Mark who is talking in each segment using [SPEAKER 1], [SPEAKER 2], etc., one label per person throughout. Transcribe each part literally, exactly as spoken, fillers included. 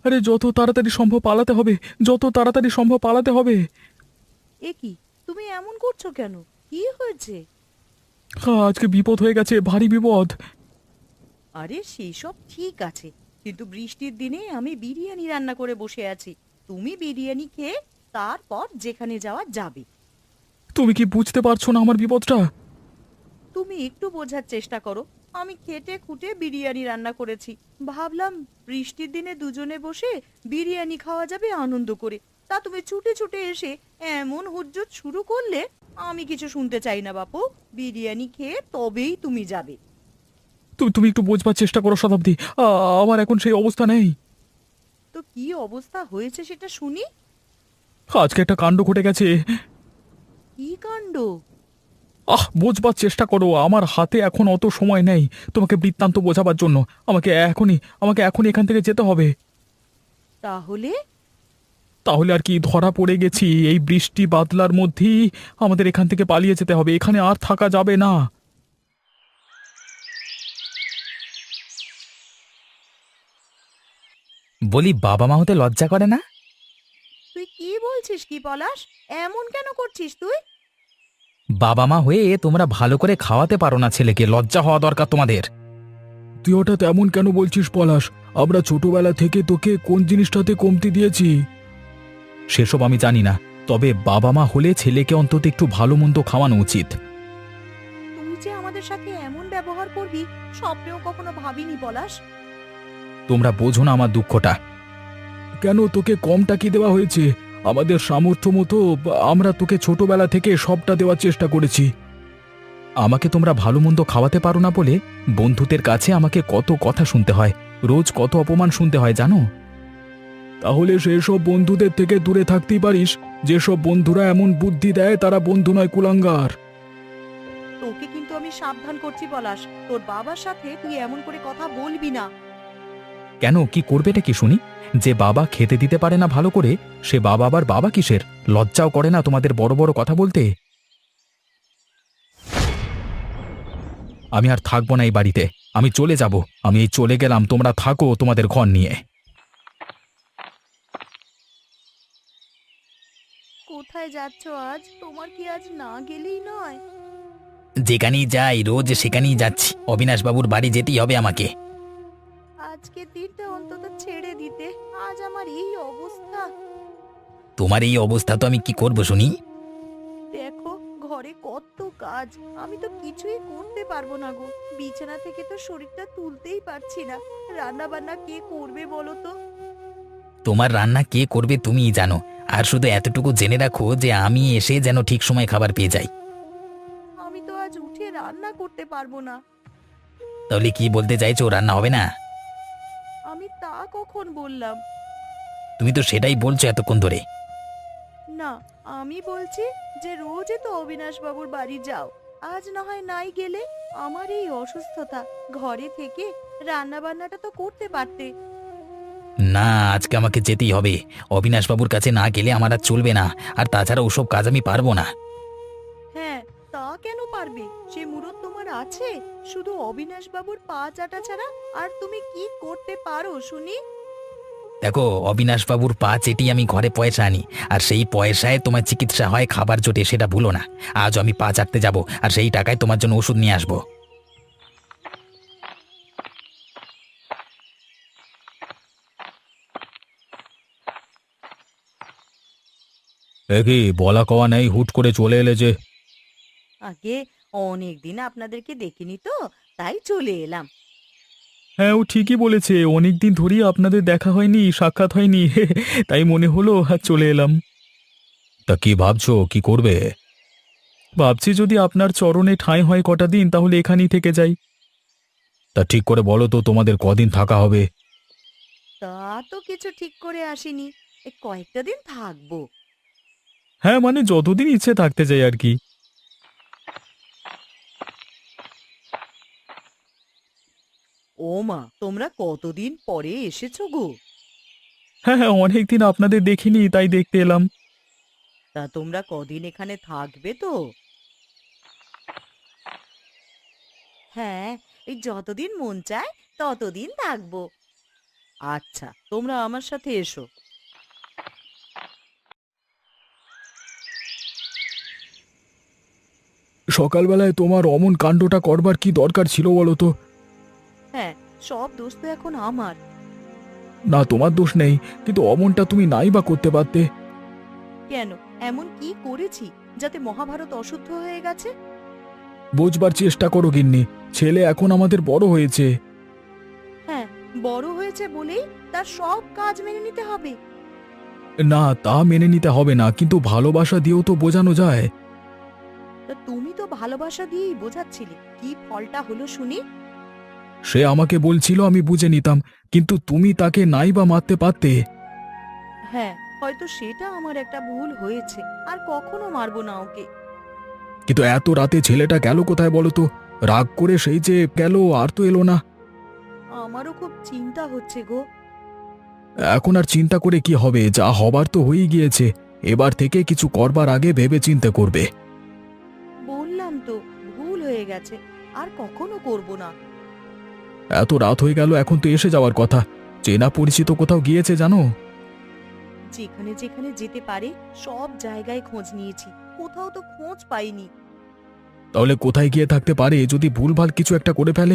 [SPEAKER 1] আরে যত তাড়াতাড়ি সম্ভব পালাতে হবে, যত তাড়াতাড়ি সম্ভব পালাতে হবে।
[SPEAKER 2] এ কি, তুমি এমন করছো কেন? কি হয়েছে?
[SPEAKER 1] হ্যাঁ, আজকে বিপদ হয়ে গেছে, ভারী বিপদ।
[SPEAKER 2] আরে সেসব ঠিক আছে, কিন্তু বৃষ্টির দিনে আমি বিরিয়ানি রান্না করে বসে আছি। তুমি বিরিয়ানি খেয়ে তারপর যেখানে যাওয়া যাবে।
[SPEAKER 1] তুমি কি বুঝতে পারছো না আমার বিপদটা?
[SPEAKER 2] তুমি একটু বোঝার চেষ্টা করো। আমি খেটে খুঁটে বিরিয়ানি রান্না করেছি। ভাবলাম বৃষ্টির দিনে দুজনে বসে বিরিয়ানি খাওয়া যাবে আনন্দ করে। তা তুমি ছুটে ছুটে এসে এমন হুজ্জত শুরু করলে। আমি কিছু শুনতে চাই না বাপু। বিরিয়ানি খেয়ে তবেই তুমি যাবে।
[SPEAKER 1] তুমি তুমি একটু বোঝবার চেষ্টা করো শতাব্দী। আ, আমার এখন সেই অবস্থা নেই।
[SPEAKER 2] তো কি অবস্থা হয়েছে সেটা শুনি।
[SPEAKER 1] আজকে একটা কাণ্ড ঘটে গেছে।
[SPEAKER 2] কি কাণ্ড?
[SPEAKER 1] আহ, বোঝবার চেষ্টা করো, আমার হাতে এখন অত সময় নেই তোমাকে বৃত্তান্ত বোঝাবার জন্য। আমাকে এখনই আমাকে এখনই এখান থেকে যেতে হবে।
[SPEAKER 2] তাহলে?
[SPEAKER 1] তাহলে আর কি, ধরা পড়ে গেছি। এই বৃষ্টি বাদলার মধ্যেই আমাদের এখান থেকে পালিয়ে যেতে হবে, এখানে আর থাকা যাবে না।
[SPEAKER 3] বলি, বাবা মা হতে লজ্জা করে না?
[SPEAKER 2] তুই কি বলছিস কি পলাশ? এমন কেন করছিস তুই?
[SPEAKER 3] বাবা মা হয়ে তোমরা ভালো করে খাওয়াতে পারো না ছেলেকে, লজ্জা হওয়া দরকার তোমাদের।
[SPEAKER 1] তুই ওটা তেমন কেন বলছিস পলাশ? আমরা ছোটবেলা থেকে তোকে কোন জিনিসটাতে কমতি দিয়েছি?
[SPEAKER 3] সেসব আমি জানি না, তবে বাবা মা হলে ছেলেকে অন্তত একটু ভালো মন্দ খাওয়ানো উচিত।
[SPEAKER 2] তুই যে আমাদের সাথে এমন ব্যবহার করবি স্বপ্নেও কখনো ভাবিনি পলাশ।
[SPEAKER 3] তোমরা বোঝো না আমার দুঃখটা।
[SPEAKER 1] কেন, তোকে কমটা কি দেওয়া হয়েছে? আমাদের সামর্থ্য মতো আমরা তোকে ছোটবেলা থেকে সবটা দেওয়ার চেষ্টা করেছি।
[SPEAKER 3] আমাকে তোমরা ভালো মন্দ খাওয়াতে পারো না বলে বন্ধুদের কাছে আমাকে কত কথা শুনতে হয়, রোজ কত অপমান শুনতে হয় জানো?
[SPEAKER 1] তাহলে সেসব বন্ধুদের থেকে দূরে থাকতেই পারিস। যেসব বন্ধুরা এমন বুদ্ধি দেয় তারা বন্ধু নয়, কুলাঙ্গার।
[SPEAKER 2] তোকে কিন্তু আমি সাবধান করছি পলাশ, তোর বাবার সাথে তুই এমন করে কথা বলবি না।
[SPEAKER 3] কেন, কি করবেটা কি শুনি? যে বাবা খেতে দিতে পারে না ভালো করে, সে বাবা আবার বাবা কিসের? লজ্জাও করে না তোমাদের বড় বড় কথা বলতে? আমি আর থাকবো না এই বাড়িতে, আমি চলে যাব। আমি এই চলে গেলাম, তোমরা থাকো তোমাদের ঘর নিয়ে।
[SPEAKER 2] কোথায় যাচ্ছ আজ? তোমার কি আজ না গেলেই নয়?
[SPEAKER 3] যেখানেই যাই রোজ সেখানেই যাচ্ছি, অবিনাশবাবুর বাড়ি যেতেই হবে আমাকে।
[SPEAKER 2] আজকে দিনটা অন্তত ছেড়ে দিতে। আজ আমার এই অবস্থা।
[SPEAKER 3] তোমার এই অবস্থা তো আমি কি করব শুনি?
[SPEAKER 2] দেখো, ঘরে কত কাজ। আমি তো কিছুই করতে পারবো না গো। বিছানা থেকে তো শরীরটা তুলতেই পারছি না। রান্না বান্না কে করবে বলো তো?
[SPEAKER 3] তোমার রান্না কে করবে তুমিই জানো। আর শুধু এতটুকু জেনে রাখো যে আমি এসে যেন ঠিক সময় খাবার পেয়ে যাই।
[SPEAKER 2] আমি তো আজ উঠে রান্না করতে পারবো না।
[SPEAKER 3] তাহলে কি বলতে চাইছো, রান্না হবে না?
[SPEAKER 2] আমি তা কখন বললাম?
[SPEAKER 3] তুমি তো সেটাই বলছো এতক্ষণ ধরে।
[SPEAKER 2] না, আমি বলছি যে রোজই তো অবিনাশ বাবুর বাড়ি যাও। আজ না হয় নাই গেলে। আমার এই অসুস্থতা, ঘরে থেকে রান্না বান্নাটা তো করতে পারতে।
[SPEAKER 3] না, আজকে আমাকে যেতেই হবে। অবিনাশবাবুর কাছে না গেলে আমার আর চলবে না। আর তাছাড়া ওসব কাজ আমি পারবো না।
[SPEAKER 2] হ্যাঁ, তা কেন পারবে? সে মুরত তোমার আছে। শুধু অবিনাশ বাবুর পা চাটা ছাড়া আর তুমি কি করতে পারো শুনি?
[SPEAKER 3] দেখো, অবিনাশবাবুর পা চেটেই আমি ঘরে পয়সা আনি। আর সেই পয়সায় তোমার চিকিৎসা হয়, খাবার জোটে, সেটা ভুলো না। আজ আমি পা চাটতে যাব, আর সেই টাকায় তোমার জন্য ওষুধ নিয়ে আসবো।
[SPEAKER 1] এ কি, বলা কওয়া নেই, হুট করে চলে এলে যে?
[SPEAKER 2] আগে অনেক দিন আপনাদেরকে দেখিনি তো, তাই চলে এলাম।
[SPEAKER 1] হ্যাঁ, ও ঠিকই বলেছে, অনেক দিন ধরেই আপনাদের দেখা হয়নি, সাক্ষাৎ হয়নি। তাই মনে হলো আর চলে এলাম। তা কি ভাবছো, কি করবে? ভাবছি যদি আপনার চরণে ঠাঁই হয় কটা দিন, তাহলে এখানেই থেকে যাই। তা ঠিক করে বলো তো, তোমাদের কদিন থাকা হবে?
[SPEAKER 2] তা তো কিছু ঠিক করে আসিনি। এ কয়েকটা দিন থাকবো।
[SPEAKER 1] হ্যাঁ, মানে যতদিন ইচ্ছে থাকতে চাই আর কি।
[SPEAKER 2] ও মা, তোমরা কতদিন পরে এসেছো গো?
[SPEAKER 1] হ্যাঁ হ্যাঁ, অনেকদিন আপনাদের দেখিনি, তাই দেখতে এলাম।
[SPEAKER 2] তা তোমরা কদিন এখানে থাকবে তো? হ্যাঁ, এই যতদিন মন চায় ততদিন থাকবো। আচ্ছা, তোমরা আমার সাথে এসো।
[SPEAKER 1] সকালবেলায় তোমার অমন কাণ্ডটা করবার কি দরকার ছিল বলো তো?
[SPEAKER 2] হ্যাঁ, সব দোষ তো এখন আমার।
[SPEAKER 1] না, তোমার দোষ নেই, কিন্তু অমনটা তুমি নাই বা করতে পারতে।
[SPEAKER 2] কেন, এমন কি করেছি যাতে মহাভারত অশুদ্ধ হয়ে গেছে?
[SPEAKER 1] বুঝবার চেষ্টা করো গিন্নি, ছেলে এখন আমাদের বড় হয়েছে।
[SPEAKER 2] হ্যাঁ, বড় হয়েছে বলেই তার সব কাজ মেনে নিতে হবে।
[SPEAKER 1] না, তা মেনে নিতে হবে না, কিন্তু ভালোবাসা দিয়েও তো বোঝানো যায়।
[SPEAKER 2] তা তুমি তো ভালোবাসা দিয়েই বোঝাচ্ছিলে, কি ফলটা হলো শুনি?
[SPEAKER 1] সে আমাকে বলছিল, আমি বুঝে নিতাম, কিন্তু তুমি তাকে নাই বা মারতে পারতে।
[SPEAKER 2] হ্যাঁ, হয়তো সেটা আমার একটা ভুল হয়েছে, আর কখনো মারবো না ওকে।
[SPEAKER 1] কিন্তু এত রাতে ছেলেটা গেল কোথায় বলো তো? রাগ করে সেই যে গেল, আর তো এলো না।
[SPEAKER 2] আমারও খুব চিন্তা হচ্ছে গো।
[SPEAKER 1] এখন আর চিন্তা করে কি হবে, যা হবার তো হয়েই গিয়েছে। এবার থেকে কিছু করবার আগে ভেবে চিন্তে করবে।
[SPEAKER 2] বললাম তো, ভুল হয়ে গেছে, আর কখনো করব না।
[SPEAKER 1] এত রাত হয়ে গেল, এখন তো এসে যাওয়ার কথা। চেনা পরিচিত কোথাও গিয়েছে জানো?
[SPEAKER 2] যেখানে যেখানে যেতে পারে সব জায়গায় খোঁজ নিয়েছি, কোথাও তো খোঁজ পাইনি।
[SPEAKER 1] তাহলে কোথায় গিয়ে থাকতে পারে, যদি ভুলভাল কিছু একটা করে ফেলে?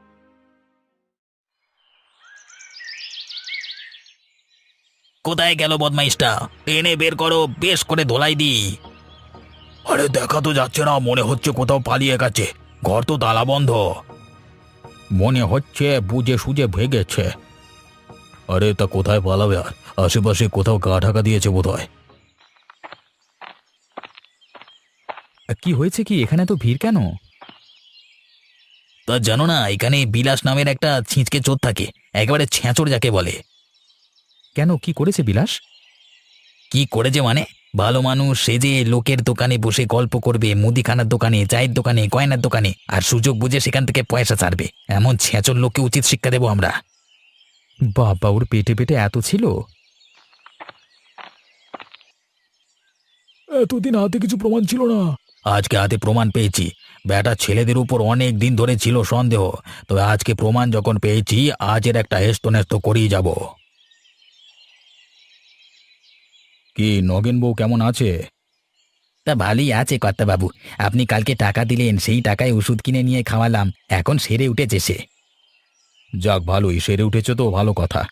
[SPEAKER 3] কোথায় গেল বদমাইশটা? টেনে বের করো, বেশ করে ধোলাই দি। আরে দেখা তো যাচ্ছে না, মনে হচ্ছে কোথাও পালিয়ে গেছে। ঘর তো তালা বন্ধ। মনে হচ্ছে বুঝে সুঝে ভেগেছে। আরে তা কোথায় পালাবে আর? আশেপাশে কোথাও গা ঢাকা দিয়েছে বোধহয়। কি হয়েছে কি, এখানে তো ভিড় কেন? তা জানো না, এখানে বিলাস নামের একটা ছিঁচকে চোর থাকে, একেবারে ছেঁচড় যাকে বলে। কেন, কি করেছে বিলাস? কি করেছে মানে, ভালো মানুষ সেজে লোকের দোকানে বসে গল্প করবে, মুদিখানার দোকানে, চায়ের দোকানে, গয়নার দোকানে, আর সুযোগ বুঝে সেখান থেকে পয়সা ছাড়বে। এমন ছেঁচড় লোককে উচিত শিক্ষা দেবো আমরা। বাবা, ওর পেটে পেটে এত ছিল?
[SPEAKER 1] এতদিন হাতে কিছু প্রমাণ ছিল না।
[SPEAKER 3] আজকে হাতে প্রমাণ পেয়েছি। বেটা ছেলেদের উপর অনেক দিন ধরে ছিল সন্দেহ, তবে আজকে প্রমাণ যখন পেয়েছি, আজের একটা হেস্ত নেস্ত করেই যাব। কি নগেন বউ কেমন আছে? তা ভালোই আছে কর্তাবাবু। আপনি কালকে টাকা দিলেন, সেই টাকায় ওষুধ কিনে নিয়ে খাওয়ালাম, এখন সেরে উঠেছে সে। যাক, ভালোই সেরে উঠেছে তো, ভালো কথা।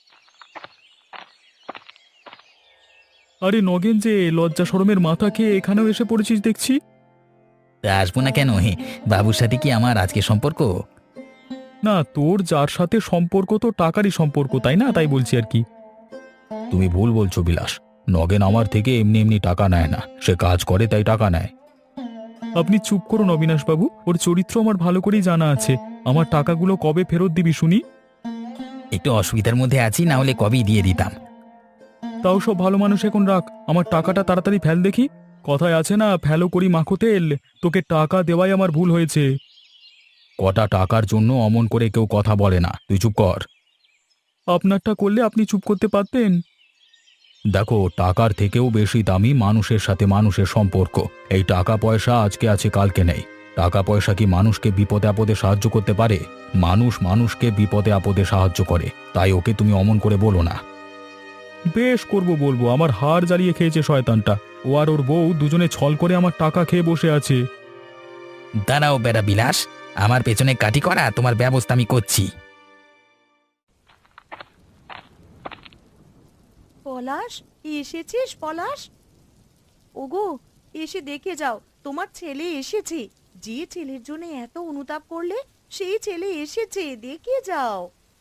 [SPEAKER 1] আরে নগেন, যে লজ্জা শরমের মাথা খেয়ে এখানেও এসে পড়েছিস দেখছি।
[SPEAKER 3] তা আসবো না কেন, হে বাবুর সাথে কি আমার আজকে সম্পর্ক?
[SPEAKER 1] না, তোর যার সাথে সম্পর্ক তো টাকারই সম্পর্ক, তাই না? তাই বলছি আর কি।
[SPEAKER 3] তুমি ভুল বলছো বিলাস। নগেন আমার থেকে এমনি এমনি টাকা নেয় না, সে কাজ করে তাই টাকা নেয়।
[SPEAKER 1] আপনি চুপ করুন অবিনাশবাবু, ওর চরিত্র আমার ভালো করেই জানা আছে। আমার টাকাগুলো কবে ফেরত দিবি শুনি?
[SPEAKER 3] একটু অসুবিধার মধ্যে আছি, না হলে কবেই দিয়ে দিতাম।
[SPEAKER 1] তাও সব ভালো মানুষ এখন রাখ, আমার টাকাটা তাড়াতাড়ি ফেল দেখি। কথায় আছে না, ফেলো করি মাখো তেল। তোকে টাকা দেওয়াই আমার ভুল হয়েছে।
[SPEAKER 3] কটা টাকার জন্য অমন করে কেউ কথা বলে না, তুই চুপ কর।
[SPEAKER 1] আপনারটা করলে আপনি চুপ করতে পারতেন।
[SPEAKER 3] দেখো, টাকার থেকেও বেশি দামি মানুষের সাথে মানুষের সম্পর্ক। এই টাকা পয়সা আজকে আছে, কালকে নেই। টাকা পয়সা কি মানুষকে বিপদে আপদে সাহায্য করতে পারে? মানুষ মানুষকে বিপদে আপদে সাহায্য করে, তাই ওকে তুমি অমন করে বলো না।
[SPEAKER 1] বেশ করব, বলবো। আমার হাড় জ্বালিয়ে খেয়েছে শয়তানটা। ও আর ওর বউ দুজনে ছল করে আমার টাকা খেয়ে বসে আছে।
[SPEAKER 3] দাঁড়াও বেড়া বিলাস, আমার পেছনে কাটি করা, তোমার ব্যবস্থা আমি করছি।
[SPEAKER 2] পলাশ, এসেছিস পলাশ? ওগো, এসে দেখে যাও, তোমার ছেলে এসেছে। যে ছেলের জন্য এত অনুতাপ করলে, সেই ছেলে এসেছে, দেখে যাও।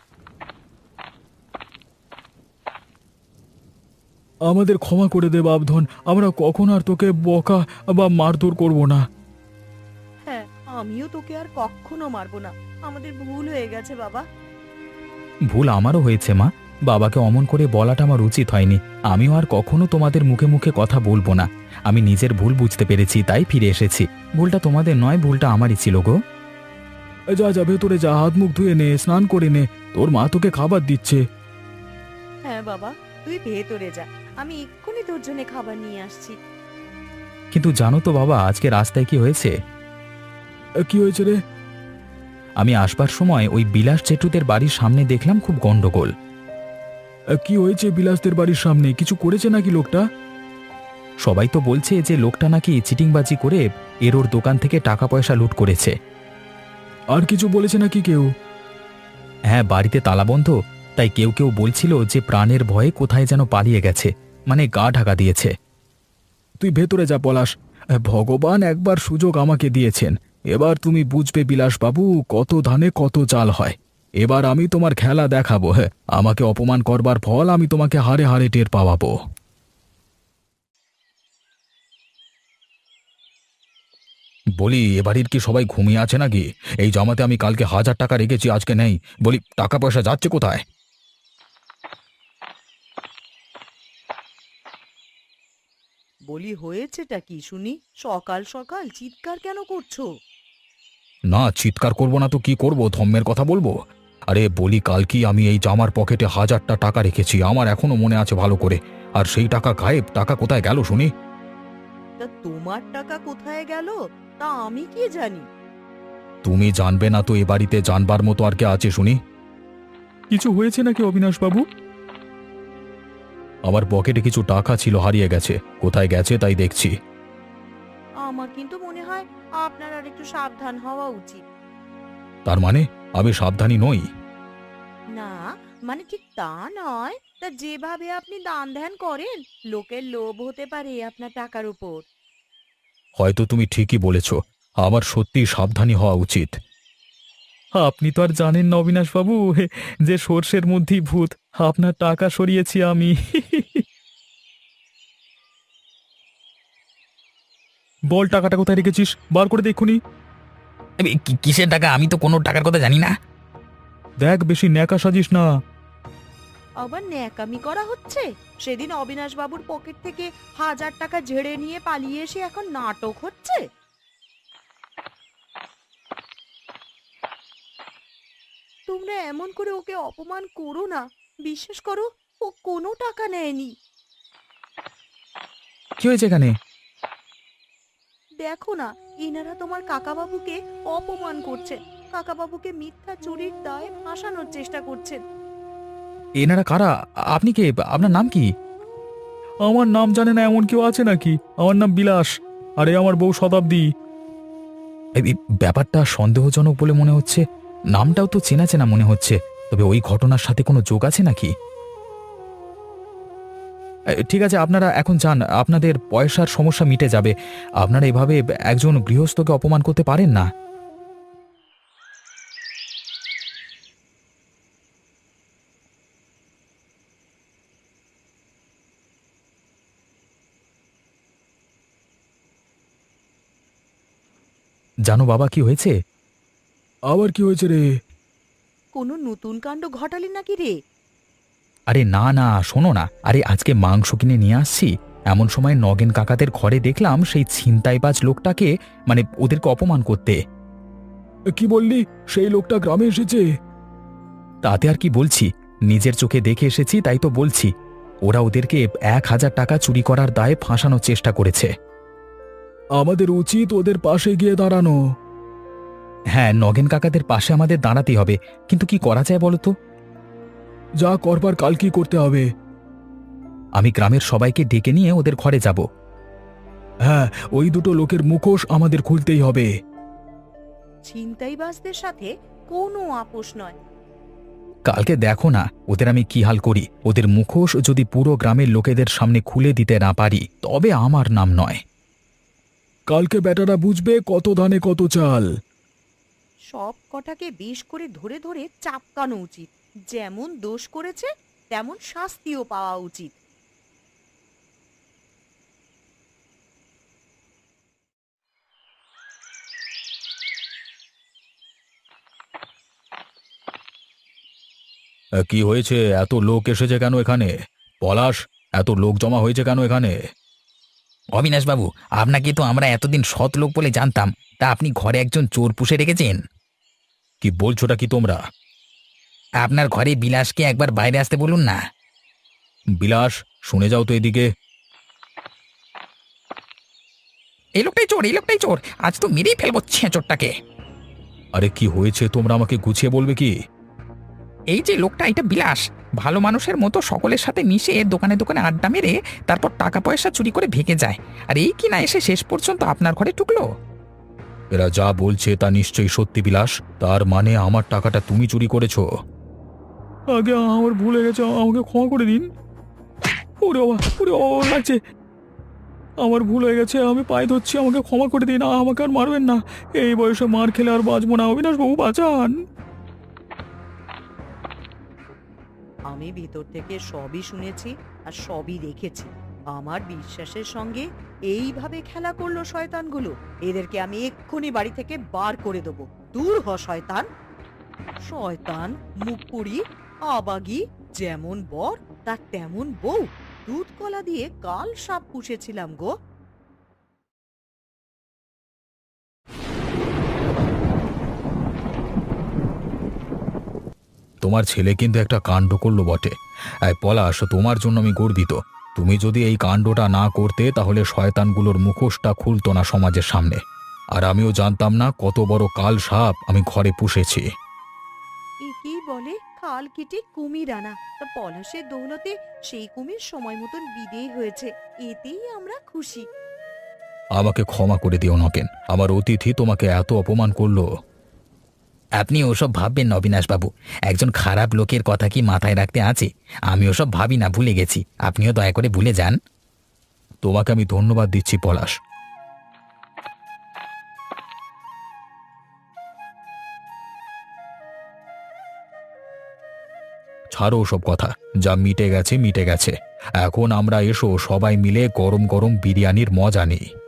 [SPEAKER 1] আমাদের ক্ষমা করে দে বাপধন, আমরা কখন আর তোকে বকা বা মারধর করব না।
[SPEAKER 2] হ্যাঁ, আমিও তোকে আর কখনো মারবো না। আমাদের ভুল হয়ে গেছে বাবা।
[SPEAKER 3] ভুল আমারও হয়েছে মা, বাবাকে অমন করে বলাটা আমার উচিত হয়নি। আমিও আর কখনো তোমাদের মুখে মুখে কথা বলবো না। আমি নিজের ভুল বুঝতে পেরেছি, তাই ফিরে এসেছি। ভুলটা তোমাদের নয়, ভুলটা আমারই ছিল গো।
[SPEAKER 1] যা যা, ভেতরে যা, হাত মুখ ধুয়ে নে, স্নান করে নে, তোর মা তোকে খাবার দিচ্ছে।
[SPEAKER 2] হ্যাঁ বাবা, তুই ভেতরে যা, আমি এক্ষুনি তোর জন্য খাবার নিয়ে আসছি।
[SPEAKER 3] কিন্তু জানো তো বাবা, আজকে রাস্তায় কি হয়েছে?
[SPEAKER 1] কি হয়েছে রে?
[SPEAKER 3] আমি আসবার সময় ওই বিলাস চেটুদের বাড়ির সামনে দেখলাম খুব গন্ডগোল।
[SPEAKER 1] কি হয়েছে বিলাসদের বাড়ির সামনে? কিছু করেছে নাকি লোকটা? সবাই তো বলছে যে লোকটা নাকি চিটিংবাজি করে এর ওর দোকান থেকে টাকা পয়সা লুট করেছে। আর কিছু বলেছে নাকি কেউ? হ্যাঁ, বাড়িতে তালাবন্ধ, তাই কেউ কেউ বলছিল যে প্রাণের ভয়ে কোথায় যেন পালিয়ে গেছে, মানে গা ঢাকা দিয়েছে। তুই ভেতরে যা পলাশ, ভগবান একবার সুযোগ আমাকে দিয়েছেন, এবার তুমি বুঝবে বিলাসবাবু কত ধানে কত চাল হয়। এবার আমি তোমার খেলা দেখাবো। হ্যাঁ, আমাকে অপমান করবার ফল আমি তোমাকে হারে হারে টের পাওয়াবো। বলি, এ বাড়ির কি সবাই ঘুমিয়ে আছে নাকি? এই জমাতে আমি কালকে হাজার টাকা রেখেছি, আজকে নেই। বলি, টাকা পয়সা যাচ্ছে কোথায়?
[SPEAKER 2] বলি হয়েছেটা কি শুনি? সকাল সকাল চিৎকার কেন করছো?
[SPEAKER 1] না, চিৎকার করব না তো কি করব? ধম্মের কথা বলবো? আরে বলি, কাল কি আমি এই জামার পকেটে হাজারটা টাকা রেখেছি, আমার এখনো মনে আছে ভালো করে। আর সেই টাকা গায়েব। টাকা কোথায় গেল শুনি?
[SPEAKER 2] তা তোমার টাকা কোথায় গেল তা আমি কি জানি?
[SPEAKER 1] তুমি জানবে না তো এ বাড়িতে জানবার মতো আর কে আছে শুনি? কিছু হয়েছে নাকি অবিনাশবাবু? আমার পকেটে কিছু টাকা ছিল, হারিয়ে গেছে। কোথায় গেছে তাই দেখছি।
[SPEAKER 2] আমার কিন্তু মনে হয় আপনার আর একটু সাবধান হওয়া উচিত।
[SPEAKER 1] তার মানে আমি সাবধানী নই?
[SPEAKER 2] না, মানে ঠিক তা নয়, তা যেভাবে আপনি দান ধ্যান করেন, লোকের লোভ হতে পারে আপনার টাকার উপর।
[SPEAKER 1] হয়তো তুমি ঠিকই বলেছ, আমার সত্যি সাবধানী হওয়া উচিত। আপনি তো আর জানেন না অবিনাশবাবু, যে সর্ষের মধ্যেই ভূত। আপনার টাকা সরিয়েছি আমি। বল, টাকাটা কোথায় রেখেছিস? বার করে দেখুনি।
[SPEAKER 3] এ, কি- কিসের টাকা? আমি তো কোনো টাকার কথা জানি না।
[SPEAKER 1] দেখ, বেশি ন্যাকা সাজিস না।
[SPEAKER 2] আবার ন্যাকামি করা হচ্ছে? সেদিন অবিনাশ বাবুর পকেট থেকে হাজার টাকা ঝেড়ে নিয়ে পালিয়ে এসে এখন নাটক হচ্ছে। তোমরা এমন করে ওকে অপমান করো না। বিশ্বাস করো, ও কোনো টাকা নেয়নি।
[SPEAKER 1] কি হয়েছে এখানে?
[SPEAKER 2] দেখো না, ইনারা তোমার কাকাবাবুকে অপমান করছেন। কাকাবাবুকে মিথ্যা চুরির দায়ে ফাঁসানোর চেষ্টা করছেন।
[SPEAKER 1] এনারা কারা? আপনি কে? আপনার নাম কি? আমার নাম জানে না এমন কেউ আছে নাকি? আমার নাম বিলাস, আরে আমার বউ শতাব্দী। এই এই ব্যাপারটা সন্দেহজনক বলে মনে হচ্ছে। নামটাও তো চেনা চেনা মনে হচ্ছে, তবে ওই ঘটনার সাথে কোনো যোগ আছে নাকি? এ, ঠিক আছে, আপনারা এখন যান, আপনাদের পয়সার সমস্যা মিটে যাবে। আপনারা এভাবে একজন গৃহস্থকে অপমান করতে পারেন না। জানো বাবা, কি হয়েছে? আবার কি হয়েছে রে?
[SPEAKER 2] কোনো নতুন কাণ্ড ঘটালি নাকি রে?
[SPEAKER 1] আরে না না, শোনো না। আরে আজকে মাংস কিনে নিয়ে আসছি, এমন সময় নগেন কাকাদের ঘরে দেখলাম সেই ছিনতাইবাজ লোকটাকে, মানে ওদেরকে অপমান করতে। কি বললি? সেই লোকটা গ্রামে এসেছে? তাতে আর কি বলছি, নিজের চোখে দেখে এসেছি তাই তো বলছি। ওরা ওদেরকে এক হাজার টাকা চুরি করার দায়ে ফাঁসানোর চেষ্টা করেছে। আমাদের উচিত ওদের পাশে গিয়ে দাঁড়ানো। হ্যাঁ, নগেন কাকাদের পাশে আমাদের দাঁড়াতেই হবে, কিন্তু কি করা যায় বলো তো? যা করবার কাল কি করতে হবে? আমি গ্রামের সবাইকে ডেকে নিয়ে ওদের ঘরে যাব। হ্যাঁ, ওই দুটো লোকের মুখোশ আমাদের খুলতেই হবে।
[SPEAKER 2] ছিনতাইবাজদের সাথে কোনো আপোষ নয়।
[SPEAKER 1] কালকে দেখো না ওদের আমি কি হাল করি। ওদের মুখোশ যদি পুরো গ্রামের লোকেদের সামনে খুলে দিতে না পারি, তবে আমার নাম নয়। কালকে বেটারা বুঝবে কত ধানে কত চাল।
[SPEAKER 2] সব কটাকে বেশ করে ধরে ধরে চাপকানো উচিত। যেমন দোষ করেছে তেমন শাস্তিও পাওয়া উচিত।
[SPEAKER 1] কি হয়েছে? এত লোক এসেছে কেন এখানে? পলাশ, এত লোক জমা হয়েছে কেন এখানে?
[SPEAKER 3] অবিনাশবাবু, আপনাকে তো আমরা এতদিন সৎ লোক বলে জানতাম, তা আপনি ঘরে একজন চোর পুষে রেখেছেন।
[SPEAKER 1] কি বলছোটা কি তোমরা?
[SPEAKER 3] আপনার ঘরে বিলাসকে একবার বাইরে আসতে বলুন না।
[SPEAKER 1] বিলাস, শুনে যাও তো এদিকে।
[SPEAKER 3] এই লোকটাই চোর, এই লোকটাই চোর, আজ তো মেরেই ফেলবো ছেঁচোরটাকে।
[SPEAKER 1] আরে কি হয়েছে তোমরা আমাকে গুছিয়ে বলবে কি?
[SPEAKER 4] এই যে লোকটা, এটা বিলাস। ভালো মানুষের মতো সকলের সাথে মিশে দোকানে দোকানে আড্ডা মেরে তারপর টাকা পয়সা চুরি করে ভেগে যায়, আর এই কিনা এসে শেষ পর্যন্ত আপনার ঘরে ঢুকলো।
[SPEAKER 1] এরা যা বলছে তা নিশ্চয়ই সত্যি বিলাস। তার মানে আমার টাকাটা তুমি চুরি করেছো? আগে আমার ভুল হয়ে গেছে, আমাকে ক্ষমা করে দিন। ওরে বাবা, ওরে বাবা, লাগছে। আমার ভুল হয়ে গেছে, আমি পায়ে ধরছি, আমাকে ক্ষমা করে দিন। আমাকে আর মারবেন না। এই বয়সে মার খেলে আর বাঁচবো না। অবিনাশ বাবু, বাঁচান।
[SPEAKER 2] আমি ভিতর থেকে সবই শুনেছি আর সবই দেখেছি। আমার বিশ্বাসের সঙ্গে এইভাবে খেলা করলো শয়তানগুলো। এদেরকে আমি এক্ষুনি বাড়ি থেকে বার করে দেবো। দূর হ শয়তান। শয়তান, মুখপুরি, আবাগি, যেমন বর তার তেমন বউ। দুধ কলা দিয়ে কাল সাপ পুষেছিলাম গো।
[SPEAKER 1] তোমার ছেলে কিন্তু একটা কাণ্ড করলো বটে। এই পলাশ, তোমার জন্য আমি গর্বিত। তুমি যদি এই কাণ্ডটা না করতে তাহলে শয়তানগুলোর মুখোশটা খুলতো না সমাজের সামনে। আর আমিও জানতাম না কত বড় কাল সাপ আমি ঘরে পুষেছি।
[SPEAKER 2] একেই বলে খাল কেটে কুমির আনা। তা পলাশের দৌলতে সেই কুমির সময় মতন বিদেয় হয়েছে, এতেই আমরা খুশি।
[SPEAKER 1] আমাকে ক্ষমা করে দিও নকেন, আমার অতিথি তোমাকে এত অপমান করলো।
[SPEAKER 3] আপনি ওসব ভাববেন না অবিনাশবাবু, একজন খারাপ লোকের কথা কি মাথায় রাখতে আছে? আমি ওসব ভাবি না, ভুলে গেছি। আপনিও দয়া করে ভুলে যান।
[SPEAKER 1] তোমাকে আমি ধন্যবাদ দিচ্ছি পলাশ। ছাড়ো সব কথা, যা মিটে গেছে মিটে গেছে। এখন আমরা এসো সবাই মিলে গরম গরম বিরিয়ানির মজা নিই।